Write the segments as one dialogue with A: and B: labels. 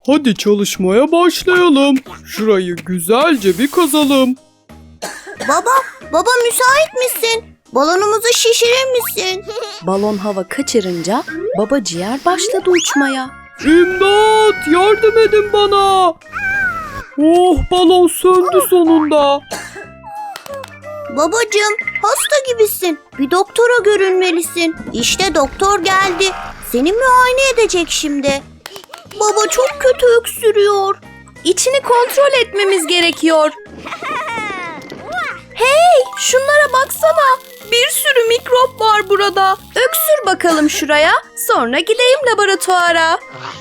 A: Hadi çalışmaya başlayalım. Şurayı güzelce bir kazalım.
B: Baba müsait misin? Balonumuzu şişirir misin?
C: Balon hava kaçırınca baba ciğer başladı uçmaya.
A: İmdat! Yardım edin bana! Oh, balon söndü sonunda.
B: Babacığım, hasta gibisin. Bir doktora görünmelisin. İşte doktor geldi. Seni muayene edecek şimdi. Baba çok kötü öksürüyor.
C: İçini kontrol etmemiz gerekiyor. Hey, şunlara baksana. Bir sürü mikrop var burada. Öksür bakalım şuraya. Sonra gideyim laboratuvara.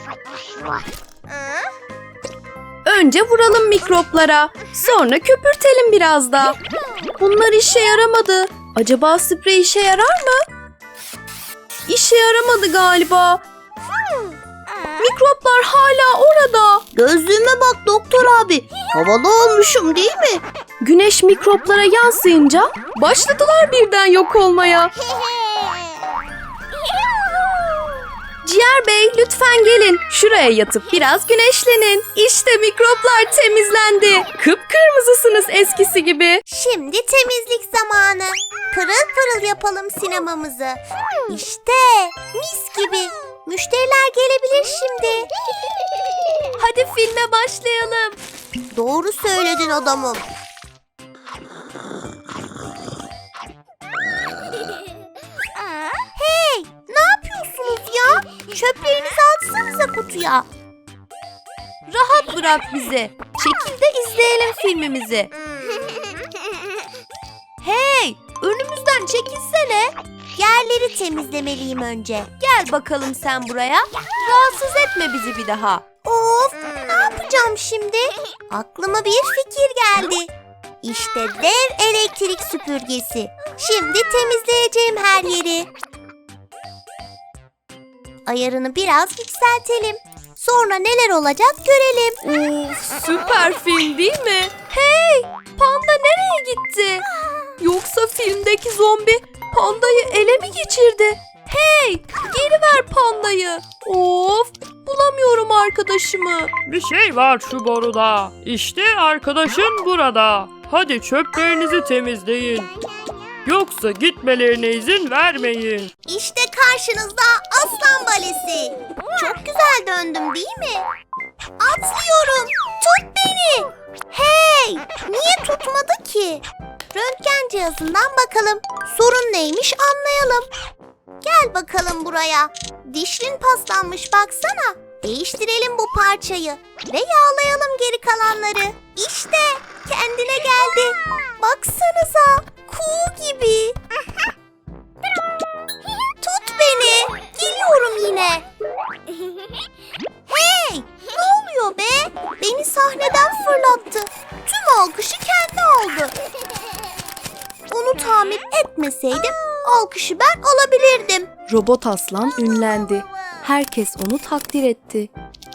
C: Önce vuralım mikroplara. Sonra köpürtelim biraz da. Bunlar işe yaramadı. Acaba sprey işe yarar mı? İşe yaramadı galiba. Mikroplar hala orada.
B: Gözlüğüme bak doktor abi. Havalı olmuşum değil mi?
C: Güneş mikroplara yansıyınca başladılar birden yok olmaya. Ciğer Bey, lütfen gelin. Şuraya yatıp biraz güneşlenin. İşte mikroplar temizlendi. Kıpkırmızısınız eskisi gibi.
B: Şimdi temizlik zamanı. Pırıl pırıl yapalım sinemamızı. İşte mis gibi. Müşteriler gelebilir şimdi.
C: Hadi filme başlayalım.
B: Doğru söyledin adamım. Hey, ne yapıyorsunuz ya? Çöplerinizi atsanıza kutuya.
C: Rahat bırak bizi. Çekil de izleyelim filmimizi. Hey, önümüzden çekilsene.
B: Yerleri temizlemeliyim önce.
C: Gel bakalım sen buraya. Rahatsız etme bizi bir daha.
B: Of, ne yapacağım şimdi? Aklıma bir fikir geldi. İşte dev elektrik süpürgesi. Şimdi temizleyeceğim her yeri. Ayarını biraz yükseltelim. Sonra neler olacak görelim.
C: Of, süper film değil mi? Hey, panda nereye gitti? Yoksa filmdeki zombi pandayı ele mi geçirdi? Hey, geri ver pandayı. Of, bulamıyorum arkadaşımı.
A: Bir şey var şu boruda. İşte arkadaşın burada. Hadi çöplerinizi temizleyin. Yoksa gitmelerine izin vermeyin.
B: İşte karşınızda aslan balesi. Çok güzel döndüm değil mi? Atlıyorum. Tut beni. Hey, niye tutmadı ki? Röntgen cihazından bakalım. Sorun neymiş anlayalım. Gel bakalım buraya. Dişlin paslanmış baksana. Değiştirelim bu parçayı ve yağlayalım geri kalanları. İşte kendine geldi. Baksanıza, kuğu gibi. Tut beni. Geliyorum yine. Hey, ne oluyor be? Beni sahneden fırlattı. Tüm alkışı kendi aldı. Onu tamir etmeseydim alkışı ben alabilirdim.
C: Robot aslan ünlendi. Herkes onu takdir etti.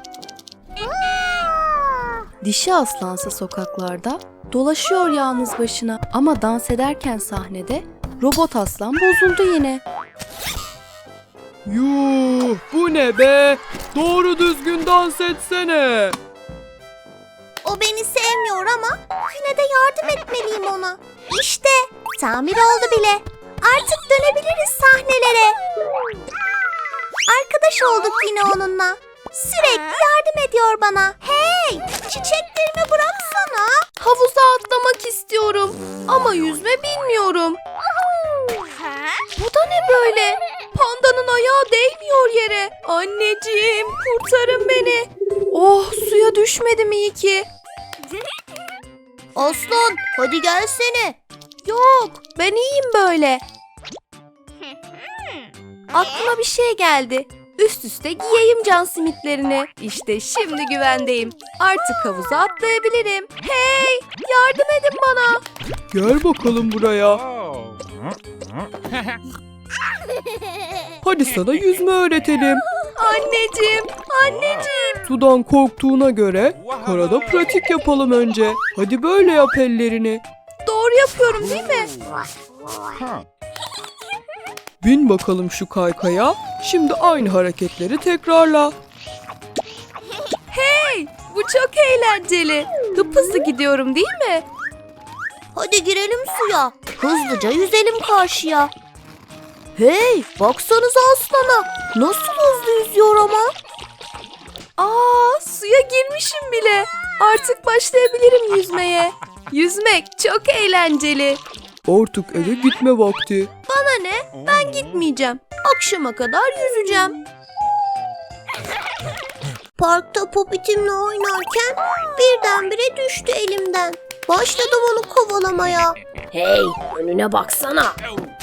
C: Dişi aslansa sokaklarda dolaşıyor yalnız başına ama dans ederken sahnede robot aslan bozuldu yine.
A: Yuh, bu ne be? Doğru düzgün dans etsene.
B: O beni sevmiyor ama yine de yardım etmeliyim ona. İşte tamir oldu bile. Artık dönebiliriz sahnelere. Arkadaş olduk yine onunla. Sürekli yardım ediyor bana. Hey, çiçeklerimi bıraksana.
C: Havuza atlamak istiyorum ama yüzme bilmiyorum. Bu da ne böyle? Pandanın ayağı değmiyor yere. Anneciğim, kurtarın beni. Oh, suya düşmedim iyi ki.
B: Aslan, hadi gelsene.
C: Yok, ben iyiyim böyle. Aklıma bir şey geldi. Üst üste giyeyim can simitlerini. İşte şimdi güvendeyim. Artık havuza atlayabilirim. Hey, yardım edin bana.
A: Gel bakalım buraya. Hadi sana yüzme öğretelim.
C: Anneciğim, anneciğim.
A: Sudan korktuğuna göre karada pratik yapalım önce. Hadi böyle yap ellerini.
C: Doğru yapıyorum değil mi?
A: Bin bakalım şu kaykaya. Şimdi aynı hareketleri tekrarla.
C: Hey, Bu çok eğlenceli. Hızlı gidiyorum değil mi?
B: Hadi girelim suya. Hızlıca yüzelim karşıya. Hey, baksanıza aslana. Nasıl hızlı yüzüyor ama.
C: Suya girmişim bile. Artık başlayabilirim yüzmeye. Yüzmek çok eğlenceli.
A: Artık eve gitme vakti.
C: Bana ne? Ben gitmeyeceğim. Akşama kadar yüzeceğim.
B: Parkta Popit'imle oynarken birdenbire düştü elimden. Başladım onu kovalamaya.
D: Hey, önüne baksana.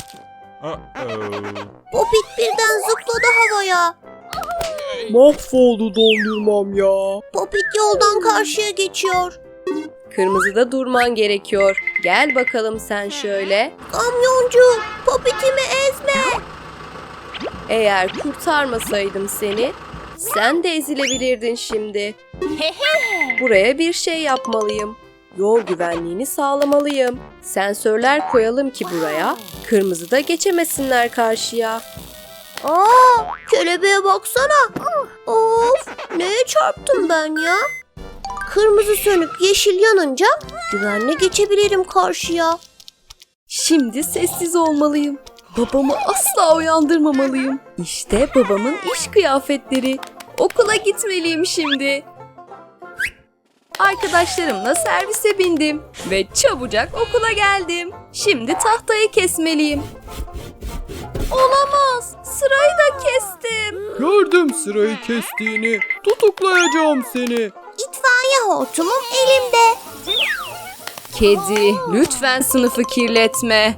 B: Popit birden zıpladı havaya.
A: Mahvoldu dondurmam ya.
B: Popit yoldan karşıya geçiyor.
C: Kırmızıda durman gerekiyor. Gel bakalım sen şöyle.
B: Kamyoncu, Popit'imi ezme.
C: Eğer kurtarmasaydım seni, sen de ezilebilirdin şimdi. Buraya bir şey yapmalıyım. Yol güvenliğini sağlamalıyım. Sensörler koyalım ki buraya, kırmızıda geçemesinler karşıya.
B: Kelebeğe baksana. Of, neye çarptım ben ya? Kırmızı sönüp yeşil yanınca güvenle geçebilirim karşıya.
C: Şimdi sessiz olmalıyım. Babamı asla uyandırmamalıyım. İşte babamın iş kıyafetleri. Okula gitmeliyim şimdi. Arkadaşlarımla servise bindim ve çabucak okula geldim. Şimdi tahtayı kesmeliyim. Olamaz, sırayı da kestim.
A: Gördüm sırayı kestiğini. Tutuklayacağım seni.
B: İtfaiye hortumum elimde.
C: Kedi, lütfen sınıfı kirletme.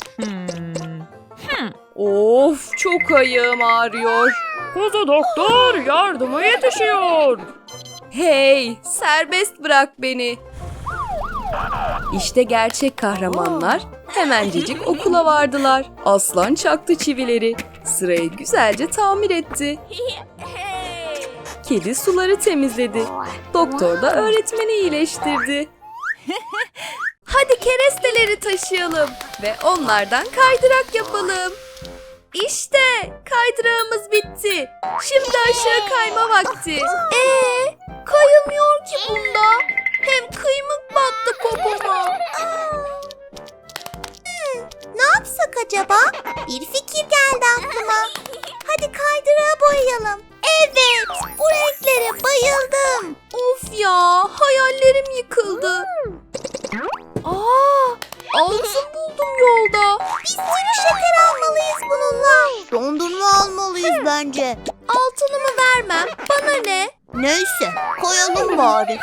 C: Of, çok ayağım ağrıyor.
A: Kuzu doktor yardıma yetişiyor.
C: Hey, serbest bırak beni. İşte gerçek kahramanlar hemencecik okula vardılar. Aslan çaktı çivileri. Sırayı güzelce tamir etti. Kedi suları temizledi. Doktor da öğretmeni iyileştirdi. Hadi keresteleri taşıyalım ve onlardan kaydırak yapalım. İşte kaydırağımız bitti. Şimdi aşağı kayma vakti. Kayılmıyor ki bunda. Hem kıymık battı popoma.
B: Ne yapsak acaba? Bir fikir geldi aklıma. Hadi kaydırağı boyayalım. Evet, bu renklere bayıldım.
C: Of ya, hayallerim yıkıldı. Altın buldum yolda.
B: Bir sürü şeker almalıyız bununla. Dondurma almalıyız bence.
C: Altınımı vermem, bana ne?
B: Neyse, koyalım bari.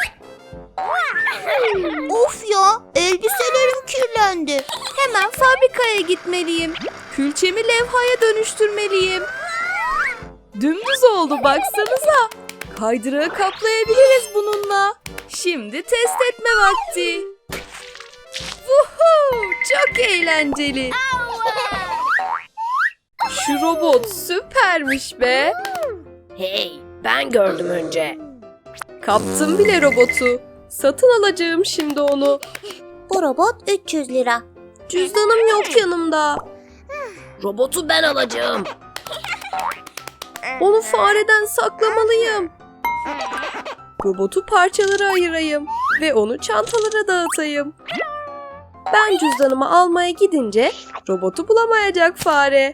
B: Of ya, elbiselerim kirlendi.
C: Hemen fabrikaya gitmeliyim. Külçemi levhaya dönüştürmeliyim. Dümdüz oldu baksanıza. Kaydırağı kaplayabiliriz bununla. Şimdi test etme vakti. Vuhuu, çok eğlenceli. Şu robot süpermiş be.
D: Hey, ben gördüm önce.
C: Kaptım bile robotu. Satın alacağım şimdi onu.
B: Bu robot 300 lira.
C: Cüzdanım yok yanımda.
D: Robotu ben alacağım.
C: Onu fareden saklamalıyım. Robotu parçalara ayırayım ve onu çantalara dağıtayım. Ben cüzdanımı almaya gidince robotu bulamayacak fare.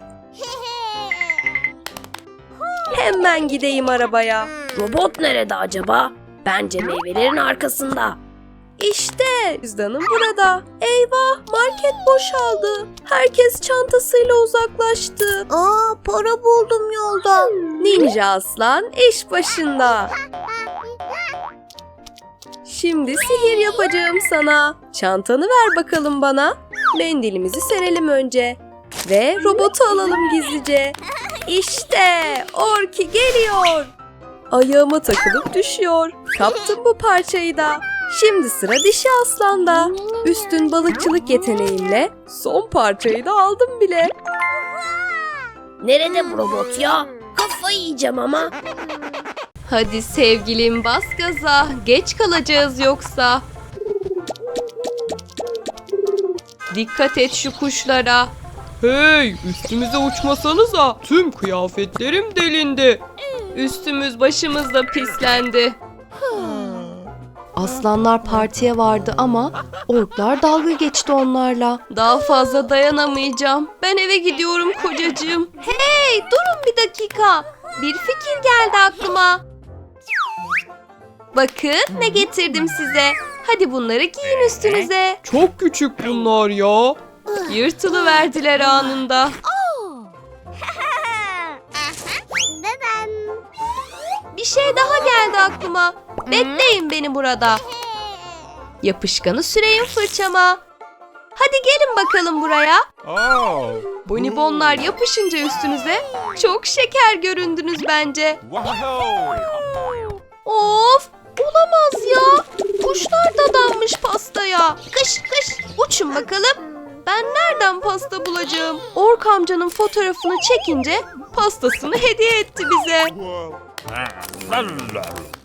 C: Hemen gideyim arabaya.
D: Robot nerede acaba? Bence meyvelerin arkasında.
C: İşte cüzdanım burada. Eyvah, market boşaldı. Herkes çantasıyla uzaklaştı.
B: Para buldum yolda.
C: Ninja Aslan iş başında. Şimdi sihir yapacağım sana. Çantanı ver bakalım bana. Mendilimizi serelim önce. Ve robotu alalım gizlice. İşte Orki geliyor. Ayağıma takılıp düşüyor. Kaptım bu parçayı da. Şimdi sıra dişi aslanda. Üstün balıkçılık yeteneğimle son parçayı da aldım bile.
D: Nerede bu robot ya? Kafayı yiyeceğim ama.
C: Hadi sevgilim bas gaza. Geç kalacağız yoksa. Dikkat et şu kuşlara.
A: Hey, üstümüze uçmasanıza. Tüm kıyafetlerim delindi.
C: Üstümüz başımız da pislendi. Aslanlar partiye vardı ama orklar dalga geçti onlarla. Daha fazla dayanamayacağım. Ben eve gidiyorum kocacığım. Hey, durun bir dakika. Bir fikir geldi aklıma. Bakın ne getirdim size. Hadi bunları giyin üstünüze.
A: Çok küçük bunlar ya.
C: Yırtılıverdiler anında. Bir şey daha geldi aklıma. Bekleyin beni burada. Yapışkanı süreyim fırçama. Hadi gelin bakalım buraya. Bonibonlar yapışınca üstünüze çok şeker göründünüz bence. Of! Olamaz ya. Kuşlar dadanmış pastaya. Kış kış uçun bakalım. Ben nereden pasta bulacağım? Ork amcanın fotoğrafını çekince pastasını hediye etti bize.